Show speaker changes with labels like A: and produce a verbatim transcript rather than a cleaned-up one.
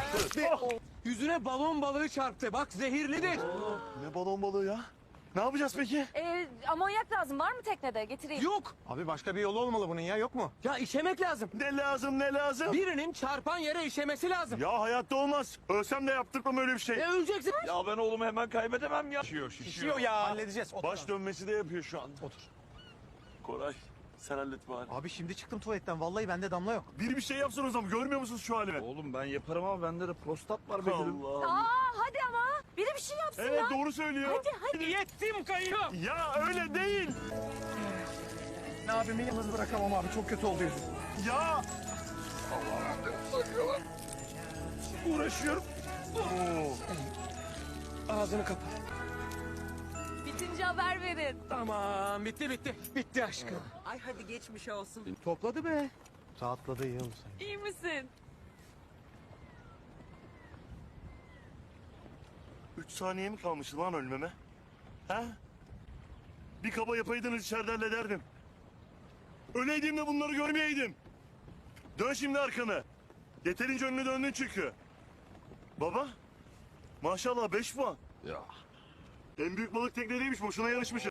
A: Oh. Yüzüne balon balığı çarptı. Bak zehirlidir.
B: Ne balon balığı ya? Ne yapacağız peki?
C: Ee, amonyak lazım. Var mı teknede? Getireyim.
A: Yok.
D: Abi başka bir yolu olmalı bunun ya, yok mu?
A: Ya işemek lazım.
B: Ne lazım ne lazım?
A: Birinin çarpan yere işemesi lazım.
B: Ya hayatta olmaz. Ölsem de yaptırmam öyle bir şey.
A: E öleceksin.
B: Ya ben oğlumu hemen kaybedemem ya. Şişiyor
D: Şişiyor ya. Halledeceğiz. Otur.
B: Baş dönmesi de yapıyor şu an.
D: Otur.
B: Koray sen hallet bari.
D: Abi şimdi çıktım tuvaletten. Vallahi bende damla yok.
B: Biri bir şey yapsın o zaman. Görmüyor musunuz şu halimi?
E: Oğlum ben yaparım ama bende de prostat var be gülüm.
B: Allah.
C: Aa, hadi ama. Biri bir şey yapsın
B: Evet
C: ya.
B: doğru söylüyor.
C: Hadi hadi.
A: Yettim kayıyor.
B: Ya öyle değil.
D: Ne abimi yalnız bırakamam abi. Çok kötü oldu yüzüm.
B: Ya.
A: Uğraşıyorum.
B: Oo.
A: Ağzını kapa.
C: Bitince haber verin.
A: Tamam bitti bitti. Bitti aşkım.
F: Ay hadi geçmiş olsun.
D: Topladı be. Rahatladı, iyi oldu sen.
C: İyi misin?
B: Üç saniye mi kalmış lan ölmeme? He? Bir kaba yapaydınız içeride hallederdim. Öleydim de bunları görmeyeydim. Dön şimdi arkanı. Yeterince önüne döndün çünkü. Baba. Maşallah beş puan.
E: Ya.
B: En büyük balık teknedeymiş. Boşuna yarışmışız.